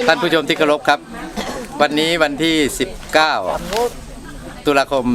ท่านผู้ชมที่เคารพครับวันนี้วันที่ 19 ตุลาคม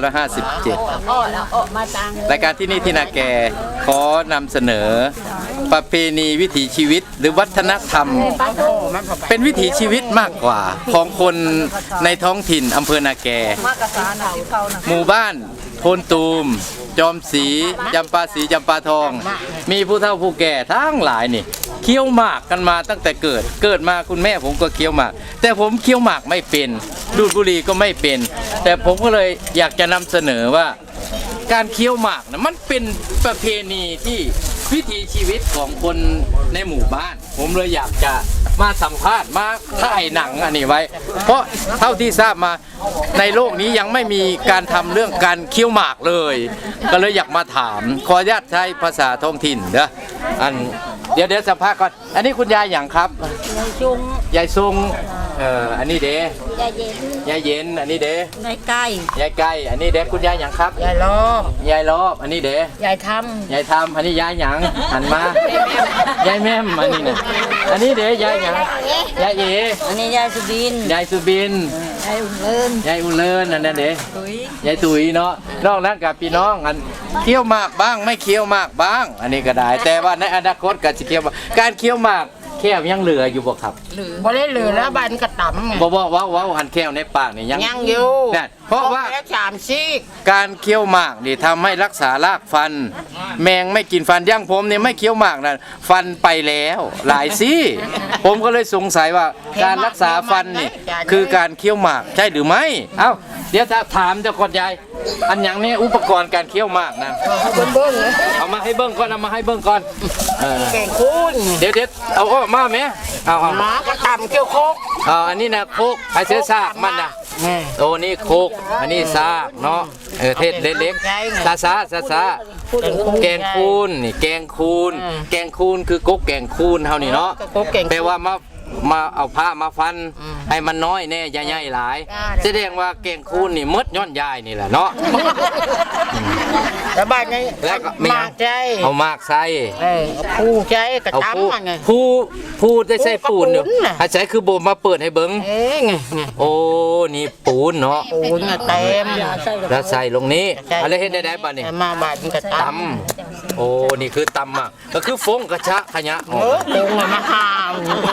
2557 รายการที่นี่ที่นาแกขอนำเสนอประเพณีวิถีชีวิตหรือวัฒนธรรมเป็นวิถีชีวิตมากกว่าของคนในท้องถิ่นอำเภอนาแกหมู่บ้านโพนตูมจอมศรีจำปาศรีจำปาทองมีผู้เฒ่าผู้แก่ทั้งหลายนี่เคี้ยวหมากกันมาตั้งแต่เกิดมาคุณแม่ผมก็เคี้ยวหมากแต่ผมเคี้ยวหมากไม่เป็นดูดบุหรี่ก็ไม่เป็นแต่ผมก็เลยอยากจะนำเสนอว่าการเคี้ยวหมากนะมันเป็นประเพณีที่วิถีชีวิตของคนในหมู่บ้านผมเลยอยากจะมาสัมภาษณ์มาถ่ายหนังอันนี้ไว้เพราะเท่าที่ทราบมาในโลกนี้ยังไม่มีการทำเรื่องการเคี้ยวหมากเลยก็เลยอยากมาถามขออนุญาตใช้ภาษาท้องถิ่นเด้อเดี๋ยวสัมภาษณ์ก่อนอันนี้คุณยายอย่างครับยายซุงอันนี้เด้ยายเย็นอันนี้เด้ยายไก่อันนี้เด้คุณยายอย่างครับยายรอบอันนี้เด้ยายทำอันนี้ยายหยังหันมายายแม่มอันนี้เนี่ยอันนี้เด้ยายหยังยายเออันนี้ยายสุบินยายอุ่นเลินอันนั้นเด้ยายตุ๋ยเนาะนอกนั้นกับพี่น้องอันเคี้ยวหมากบ้างไม่เคี้ยวหมากบ้างอันนี้ก็ได้แต่ว่าในอนาคตก็จะเคี้ยวการเคี้ยวหมากแค่ยังเหลืออยู่บ่ครับบ่ได้เหลือแล้วบันกระต่ำบ่ว้าวหันแค่ในปากนี่ยังอยู่เพราะว่าการเคี้ยวหมากนี่ทำให้รักษารากฟันแมงไม่กินฟันย่างผมนี่ไม่เคี้ยวหมากนะฟันไปแล้วหลายซี่ผมก็เลยสงสัยว่าการรักษาฟันนี่คือการเคี้ยวหมากใช่หรือไม่เอ้าเดี๋ยวถามเจ้าก่อนยายอันอย่างนี้อุปกรณ์การเคี้ยวหมากนะเอามาให้เบิ้งก่อนแกงคูนเดี๋ยวเอาออกมาไหมเอาหมากระต่ำเคี้ยวโคกอันนี้นะโคกไอเสื้อซากมันนะโอ้นี่โคกอันนี้ซากเนาะเทศเล็กๆซาแกงคูนนี่แกงคูนคือกกแกงคูนเท่านี้เนาะแต่ว่ามาเอาผ้ามาฟันให้มันน้อยแน่ใหญ่ๆหลายแสดงว่าแกงคูนนี่มดย้อนยายนี่แหละเนาะแล้วบ้านนี้แล้วก็มากใจเอามากใส่ผู้ใจกระตั้มไงผู้ได้ใส่ปูนอยู่อาศัยคือโบมาเปิดให้เบิ้งโอ้นี่ปูนเนาะปูนเต็มแล้วใส่ลงนี้อะไรเห็นได้บ้างนี่มาบ้านกระตั้มโอ้นี่คือตำอ่ะก็คือฟงกระชะขยะฟงมาหาว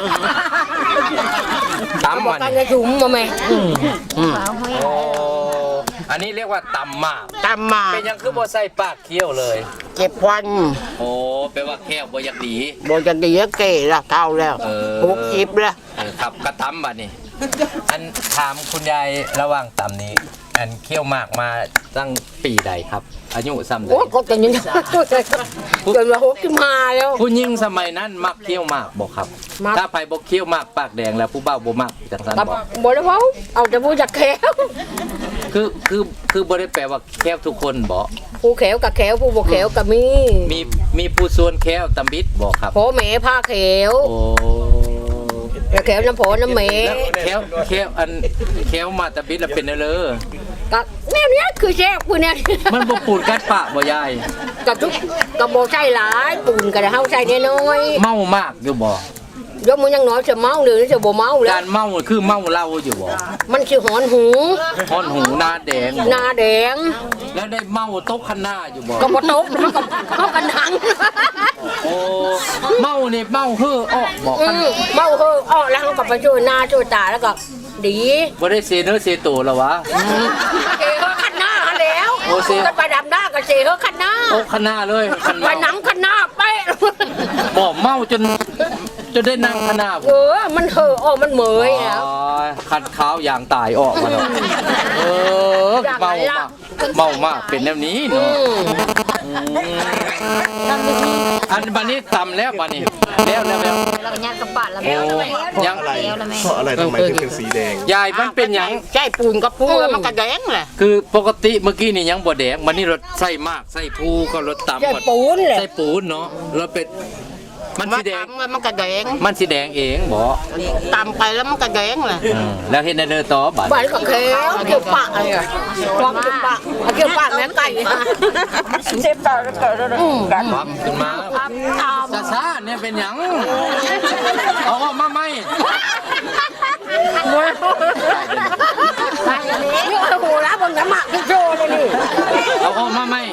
ตำมันจะถุงมาไหมโอ้อันนี้เรียกว่าตำหมากเป็นยังคือบ่ใส่ปากเคี้ยวเลยเก็บควันโอ้แปลว่าแค่บ่อยากดีเก๋ละเก่าแล้ว60แล้วขับกระตำบัดนี่อันถามคุณยายระหว่างตำนี้อันเคี้ยวหมากมาตั้งปีใดครับอายุซ้ำใดก็จะยังจนมา65แล้วผู้หญิงสมัยนั้นมักเคี้ยวหมากบ่ครับถ้าไผบ่เคี้ยวหมากปากแดงแล้วผู้บ่าวบ่มักจังซั่นบ่ได้เว้าเอาแต่ผู้จักแขวคือบ่ได้แปลว่าแควทุกคนบ่ผู้แขวกับแขวผู้บ่แขวก็มีผู้ส่วนแควตำบิดบ่ครับพ่อแม่พาแขวโอ้แขวน้ำพ่อน้ำแม่แควมาตำบิดแล้วเป็นเด้อก็แนวนี้คือแซ่บผู้เนี่ยมันบ่ปูนกัดปากบ่ยายกับทุกกับบ่ใช่หลายปูนก็ได้เฮาใส่น้อยเมามากอยู่บ่ยกมือยังน้อยจะเมาหรือจะบ่เมาแล้วการเมาคือเมาเหล้าอยู่บ่มันคือหอนหูหน้าแดงแล้วได้เมาตกคันหน้าอยู่บ่ก็บ่ตกเขากันหังโอ้เมานี่เมาเฮ้ออ้อบ่เมาเฮ้ออ้อแล้วเขาก็ไปช่วยหน้าช่วยตาแล้วก็ดีบ่ได้เซเนื้อเซโตแล้ววะเฮ้อคันหน้าแล้วก็ไปดำหน้าก็เซเฮ้อคันหน้าโอ้คันหน้าเลยไปหนังคันหน้าเป๊ะบ่เมาจนได้นั่งขนาดมันเห่อมันเหมยแล้วคันขาวอย่างตายออกมาแล้วเมามากเป็นแบบนี้เนาะอันบันนี้ตำแล้วบันนี้แล้วย่างกระป๋าแล้วยังเพราะอะไรทำไมถึงเป็นสีแดงยายมันเป็นยังใช่ปูนกับพูแล้วมันกระแดงแหละคือปกติเมื่อกี้นี่ยังบ่แดงวันนี้รถใส่มากใส่พูก็รถตำใส่ปูนเลยใส่ปูนเนาะรถเป็ดมันมาสีแดงตำแล้วมันก็แดงมันสีแดงเองบ่ตำไปแล้วมันก็แดงเลยแล้วเฮ็ดได้เด้อต่อบัดบ้านก็เขียวเกี่ยวปากอะไรอ่ะความเกี่ยวปากเกี่ยวปากแม่ไก่เจ็บปากแล้วก็ปั๊บขึ้นมาช้าๆเนี่ยเป็นหยังเอาออกมาไหมนี่โอ้โหแล้วบนน้ำหมักที่โจเลยนี่เอาออกมาไหม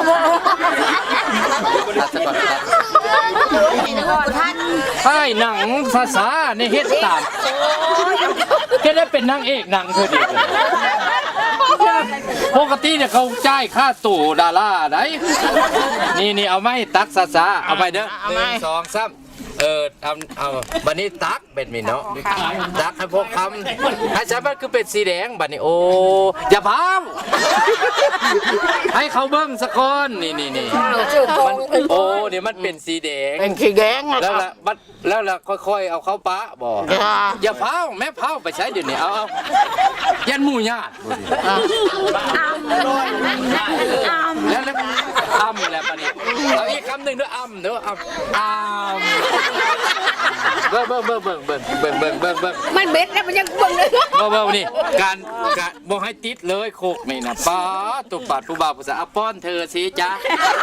ตัดซะก่อนตัดถ่ายหนังภาษาในเฮ็ดตามแค่ได้เป็นนางเอกหนังเธอดีปกติเนี่ยเขาจ่ายค่าตู่ดาราได้นี่เอาไหมตักซาเอาไปเด้อ1 2 3เอาบัดนี้ตักเป็นมีเนาะตักให้พวกคำให้ฉันมันคือเป็นสีแดงบัดนี้โอ้อย่าพามให้เขาเบิ้งสักคนนี่โอ้เดี๋ยวมันเป็นสีแดงเป็นสีแดงแล้วล่ะค่อยๆเอาเข้าปะบ่อย่าเผาแม่เผาไปใช้เดี๋ยวนี้เอายันหมู่ญาติแล้วอ้ำแล้วบัดนี้เอาอีกคำหนึ่งด้วยอ้ำเด้ออ้ำเบิ่งมันเบ็ดแล้วมันยังเบิ่งเลยเบิ่งนี่การบ่ให้ติดเลยโคกนี่นะป้าตุบปาดผู้บ่าวผู้สาวป้อนเธอสิจ๊ะ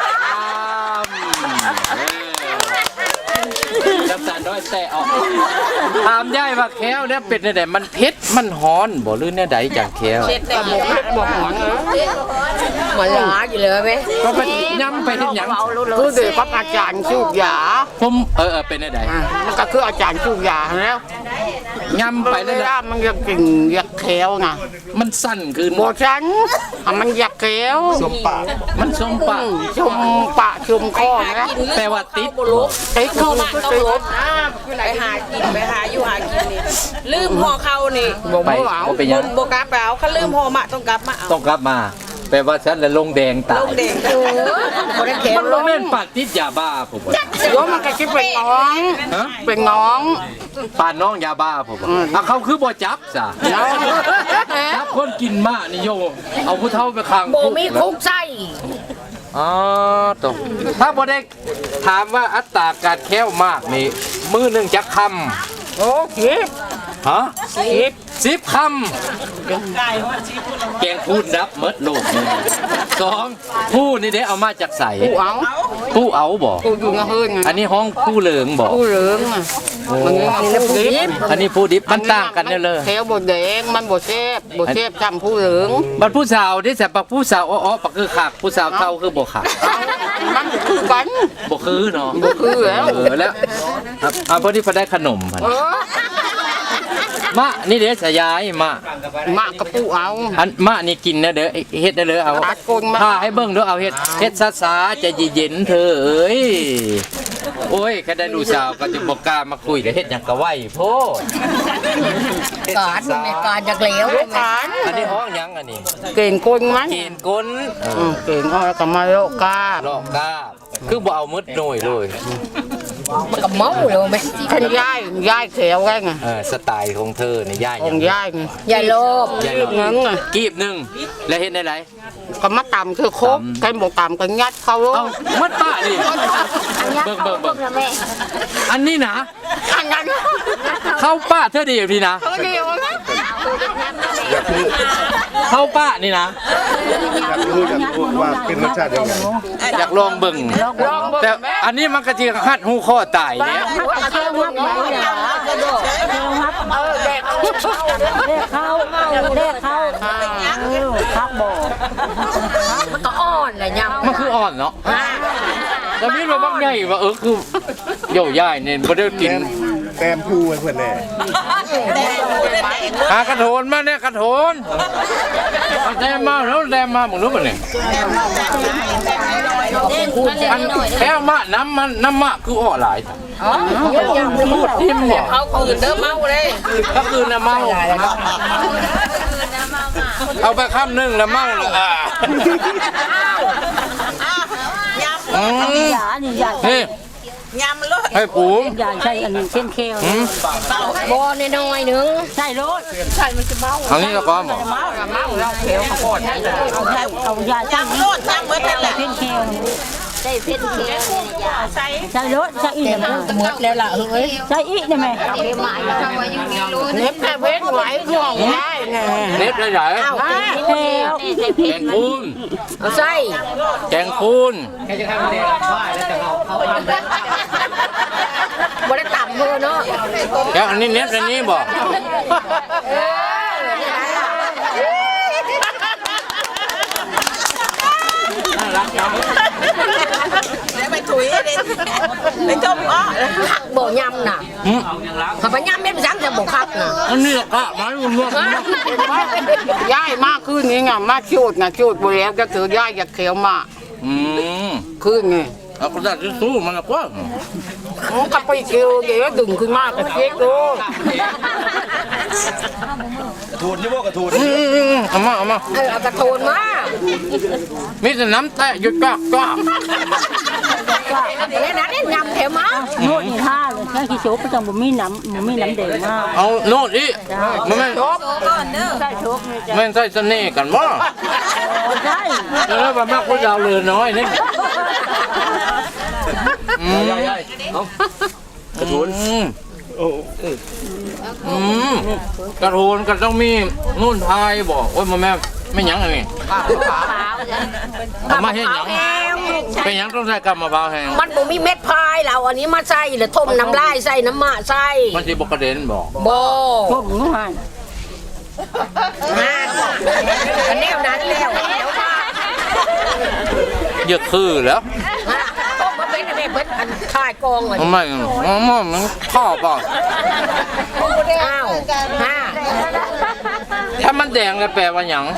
น้ำตาลน้อยแต่ออกถามยายว่าแค้วเนี่ยเป็ดเนี่ยมันเผ็ดมันฮ้อนบ่หรือเนี่ยใดจังแค้วบอกหอนมันหลาอยู่เลยไหมก็เป็นย้ำไปที่หยังคือเด็กกับอาจารย์สูบยาผมเป็นได้มันก็คืออาจารย์สูบยาแล้วย้ำไปแล้วยามันอยากกินอยากเคี้ยวนะมันสั้นขึ้นโบชันมันอยากเคี้ยวสมปากมันสมปากชมปะชมคอนะแปลว่าติดติดคือมันติดไปหากินไปหาอยู่หากินนี่ลืมห่อเขานี่บ่ไปไม่หวังบ่เป็นหยังบกลับไปเอาเขาลืมห่อมาต้องกลับมาเอาต้องกลับมาแปลว่าฉันละลงแดงตายลงเด็กบ่ได้เคี้ยวมันบ่แม่นปากติดยาบ้าผมว่าโยมันก็คิดเป็นน้องฮะเป็นน้องปานน้องยาบ้าผมว่าเขาคือบ่จับซะน้องจับคนกินมานี่โยเอาผู้เฒ่าไปขังโบมีคุกไส้อ๋อตรงถ้าบ่ได้ถามว่าอัตราการแค้วมากนี่มือหนึงจักคำโอ้คิดฮะ10คำแกงพูดนับเมดโลกนี่2ผู้นี่ได้เอามาจากใสกูเอาผู้เอาบ่กูอยู่งะเฮินอันนี้ห้องผู้เหลิงบ่กูเหลืองอ่ะมันนี่ผู้ดิบอันนี้ผู้ดิบมันต่างกันเด้อเลยเคี้ยวบดแดงมันบดเชฟจำผู้เหลืองบัดผู้สาวที่แสบปักผู้สาวอ้อๆปักคือขากผู้สาวเท่าคือบ่ขากมันคือกันบ่คือเนาะบ่คือแล้วแล้วพอดีพอได้ขนมพัน มะนี่เด้อสยายมะมากระปูเอาอันมะนี่กินนะเด้อเฮ็ดได้เลยเอาตัดกลมาถ้าให้เบิ่งเด้อเอาเฮ็ดซาๆใจเย็นๆเธอเอ้ยโอ้ยแค่ได้ดูสาวก็จะบ่กล้ามาคุยแล้วเฮ็ดหยังก็ไหวโพดการในการจากเหลวการอันนี้ห้องหยังอันนี้เก่งกลมันเกณฑ์กลเก่งเอาแล้วก็มาโลกาลอกกาคือบ่เอามืดหน่อยเลยมันก็เมาเลยไหมท่านย่ายเขียวไงไงสไตล์ของเธอนี่ย่าของย่ายไงยายโลบย่ารีบเงินไงกีบหนึงแล้วเฮ็ดได้ไรก็มาต่ำคือครบใครบอกต่ำก็ยัดเขาเอามัดป้าดิเบิ่งอันนี้นะอันนั้นเข้าป้าเธอดีอยู่พี่นะเขาเดียวนะเข้าป้านี่นะอยากรู้ว่าเป็นรสชาติยังไงอยากลองเบิ่งแต่อันนี้มันก็จะหัดหูข้อตายเนี่ยเที่ยวมัดไหนเหรอเด็กมันก็อ่อนเลยยังมันคืออ่อนเนาะแต่มีว่าบักใหญ่ว่าคือโย่ย่ายเนี่ยบ่ได้กินแต้มพูไว้เพื่อนแน่หากระโถนมาเนี่ยกระโถนเอาแดมมาแล้วแดมมาหมดรู้ป่ะเนี่ยอันแค่มะน้ำมะคืออ่อหลายพูดทิมเนี่ยเขาคืนเด้อเมาเลยก็คือน้ำเมาเอาไปคำหนึ่งน้ำเมาเลยนี่ยำเลยให้ปูมอย่าใช่อันนี้เช่นเคลบอลน้อยนึงใช่รถเอางี้ก็พอหมอเมาแล้วเขียวข้าวโพดเอาใช่เอายาจ้างโลดยำเมื่อไหร่เช่นเคลใส่เส้นเคี้ยวใส่ใส่รถใส่อีกได้ไหมหมดแล้วล่ะเฮ้ยใส่อีกได้ไหมเน็บแค่เว้นไว้ห่วงได้ไงเน็ตได้ไหนเอาแล้วแกงคูนเอาใส่แกงคูนบ่ได้ต่ำเพื่อเนาะแกงอันนี้เน็ตอันนี้บอกแล้วไปถุยเลยไปต้มอ้อผักบ่ยำน่ะถ้าไปยำเม็ดซ้ำจะบ่คักน่ะอันนี้กะไม้รวมย่ายมากขึ้นนี่ไงมาคิดนะคิดไปแล้วก็คือย่ายจะเขียวมา ขึ้นไงเอากระดาษทิชชู่มันละกว่าโอ้ก็ไปเกี่ยวเดี๋ยวดึงขึ้นมากก็เช็คดูทูนยี่บ่กระทูนเอามาเอากระโทนมามีแต่น้ำแตะหยุดกากแล้วนั้นยำแถวมาโน่นนี่ท่าเลยแค่ขี้โชกก็ต้องบ่มีน้ำแดงมากเอาโน่นอีมันไม่ใส่โชกนี่จ้ะไม่ใช่เสน่ห์กันบ่ใช่แล้วมันมากกว่าดาวเรือนน้อยนี่กระทูนโอ้กระโทนก็ต้องมีนู่นพายบอกโอ้ยแม่ไม่หยังอันนี้เอามาให้หยังเป็นหยังต้องใส่กำมะพร้าวแห้งมันบ่มีเม็ดพายเราอันนี้มาใส่แล้วต้มน้ำลายใส่น้ำมะใส่มันสิบกระเด็นบอกบ่พวกหนูหันอันแนวนั้นแล้วเดี๋ยวมาเยอะคือแล้วต้มมาเป็นอะไรเพิ่นอันค่ายกองอ่ะมันไม่มันข้อป่ะอ้าวห้าถ้ามันแดงแล้วแปลว่าหยัง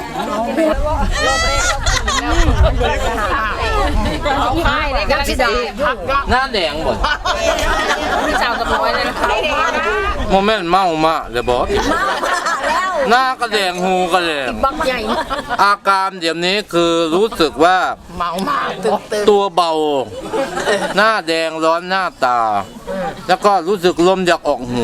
ยังสิได้หน้าแดงบ่พี่สาวกับน้อยเลยนะคะโมเมนต์เมามาเลยบอกหน้าก็แดงหูก็แดงบักใหญ่อาการเดี๋ยวนี้คือรู้สึกว่าเมามาตื่นตื่นตัวเบา หน้าแดงร้อนหน้าตา แล้วก็รู้สึกลมอยากออกหู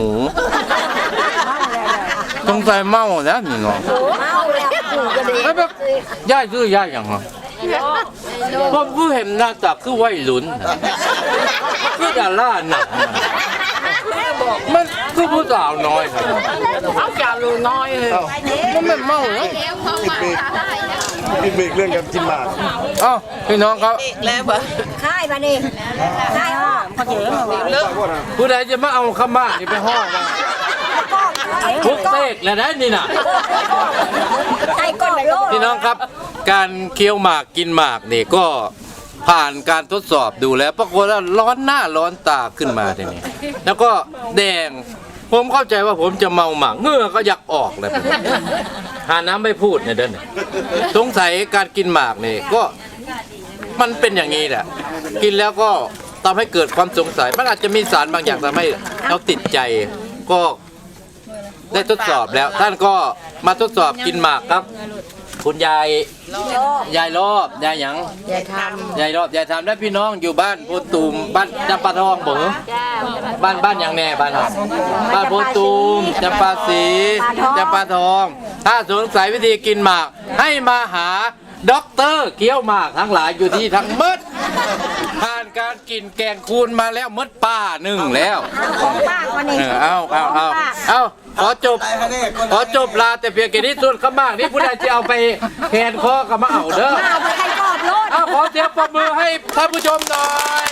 สงสัยเมาแล้วนี่เนาะเมาแล้วกูก็ดีแล้วแบบย่ายซื้อย่ายอย่างไรเพราะผู้เห็นหน้าตาคือวัยรุ่นคือดาราหนังมันคือผู้สาวน้อยครับเอาจาลูน้อยเลยมันไม่เมาเนาะติดเบรกเรื่องการกินหมากเอ้าพี่น้องครับแล้วบ่ค่ายมานี่ค่ายอ้อพอเจ๋งเหรอวะผู้ใดจะมาเอาข้าบ้านนี่ไปห้องนะทุกเสกแล้วได้นี่น่ะไอ้ก้อนโลดพี่น้องครับ การเคี้ยวหมากกินหมากนี่ก็ผ่านการทดสอบดูแล้วปรากฏว่าร้อนหน้าร้อนตาขึ้นมาทีนี้แล้วก็แดงผมเข้าใจว่าผมจะเมาหมากเหงื่อก็อยากออกเลยหาน้ำไม่พูดเนี่ยเด้อสงสัยการกินหมากนี่ก็มันเป็นอย่างนี้แหละกินแล้วก็ทำให้เกิดความสงสัยมันอาจจะมีสารบางอย่างทำให้เราติดใจก็ได้ทดสอบแล้ว ท่านก็มาทดสอบกินหมากครับ คุณยายรอบยายหยังอย่าทยายรอบยายทำได้พี่น้องอยู่บ้านโพตูมบ้านจำปาทองบ่เหรอบ้านอย่างแน่บ้านเราบ้านโพตูมจำปาสีจำปาทอง ถ้าสงสัยวิธีกินหมากให้มาหาด็อกเตอร์เกี้ยวหมากทั้งหลายอยู่ที่ทั้งหมดผ่านการกินแกงคูนมาแล้วมดป้าหนึ่งแล้วำของป้าวันนี้เอาขอจบลาแต่เพียงแค่นี้ส่วนข้างบ้างนี่ผู้ใดจะเอาไปแขนคอกับมาเอาเด้อเอาไปให้กอบโลดเอาขอเสียงปรบมือให้ท่านผู้ชมหน่อย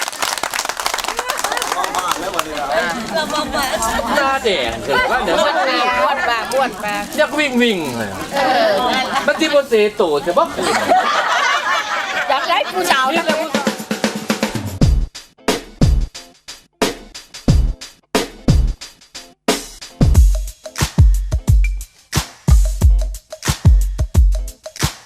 หน้าแดงเกิดว่าเดี๋ยวมันบ้วนปากบ้วนปากอยากวิ่งเลยมันที่บนเสตูจะบอกอยากได้ผู้สาวจัง